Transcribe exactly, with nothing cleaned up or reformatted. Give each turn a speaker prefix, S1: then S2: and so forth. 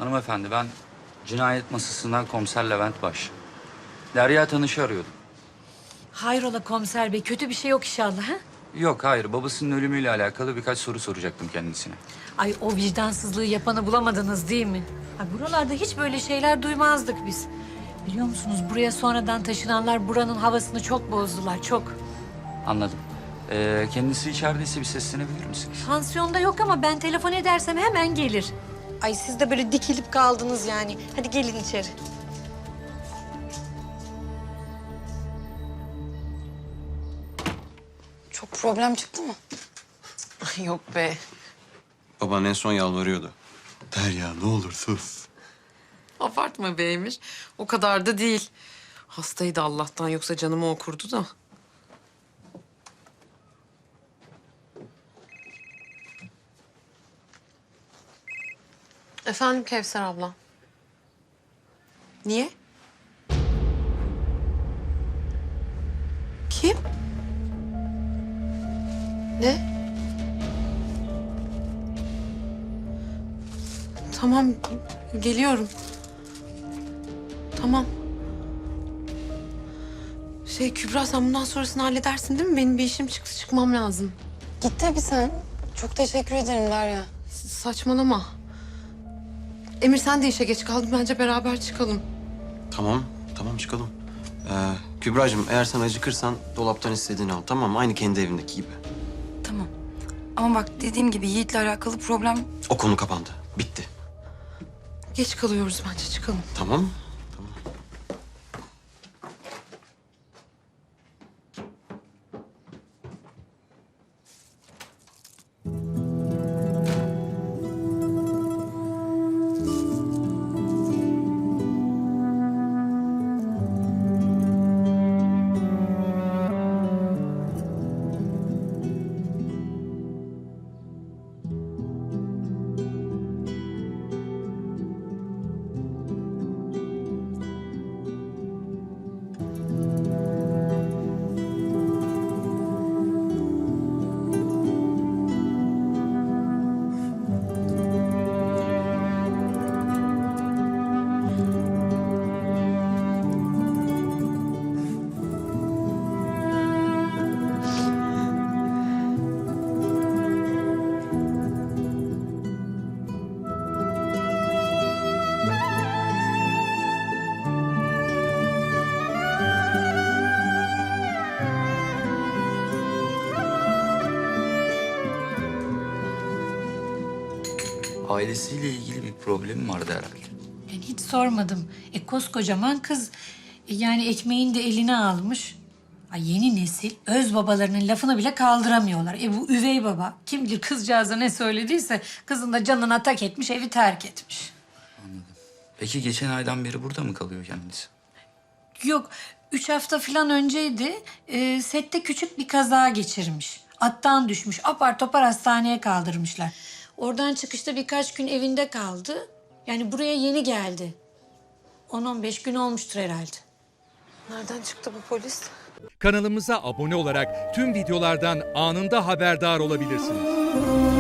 S1: Hanımefendi ben cinayet masasından komiser Levent Baş. Derya Tanış'ı arıyordum.
S2: Hayrola komiser bey, kötü bir şey yok inşallah ha?
S1: Yok hayır, babasının ölümüyle alakalı birkaç soru soracaktım kendisine.
S2: Ay o vicdansızlığı yapanı bulamadınız değil mi? Ay buralarda hiç böyle şeyler duymazdık biz. Biliyor musunuz buraya sonradan taşınanlar buranın havasını çok bozdular, çok.
S1: Anladım. Ee, kendisi içerideyse bir seslenebilir misiniz?
S2: Pansiyonda yok ama ben telefon edersem hemen gelir. Ay siz de böyle dikilip kaldınız yani. Hadi gelin içeri.
S3: Çok problem çıktı mı?
S4: Yok be.
S5: Baban en son yalvarıyordu. Derya ne olur sus.
S4: Abartma be Emir. O kadar da değil. Hastaydı Allah'tan, yoksa canımı okurdu da. Efendim Kevser abla. Niye? Kim? Ne? Tamam, geliyorum. Tamam. Şey Kübra, sen bundan sonrasını halledersin değil mi? Benim bir işim çıktı, çıkmam lazım.
S3: Git tabii sen. Çok teşekkür ederim Derya.
S4: S- Saçmalama. Emir sen de işe geç kaldın. Bence beraber çıkalım.
S5: Tamam, tamam çıkalım. Ee, Kübra'cığım eğer sen acıkırsan dolaptan istediğini al, tamam mı? Aynı kendi evindeki gibi.
S3: Tamam. Ama bak dediğim gibi Yiğit'le alakalı problem...
S5: O konu kapandı, bitti.
S4: Geç kalıyoruz, bence çıkalım.
S5: Tamam mı? Tamam.
S1: Ailesiyle ilgili bir problemi vardı herhalde.
S2: Yani hiç sormadım. E koskocaman kız. E, yani ekmeğini de eline almış. Ay yeni nesil öz babalarının lafını bile kaldıramıyorlar. E bu üvey baba kim bilir kızcağıza ne söylediyse kızın da canına tak etmiş, evi terk etmiş.
S1: Peki geçen aydan beri burada mı kalıyor kendisi?
S2: Yok, üç hafta falan önceydi. E, sette küçük bir kaza geçirmiş. Attan düşmüş, apar topar hastaneye kaldırmışlar. Oradan çıkışta birkaç gün evinde kaldı. Yani buraya yeni geldi. on on beş gün olmuştur herhalde.
S4: Nereden çıktı bu polis?
S6: Kanalımıza abone olarak tüm videolardan anında haberdar olabilirsiniz.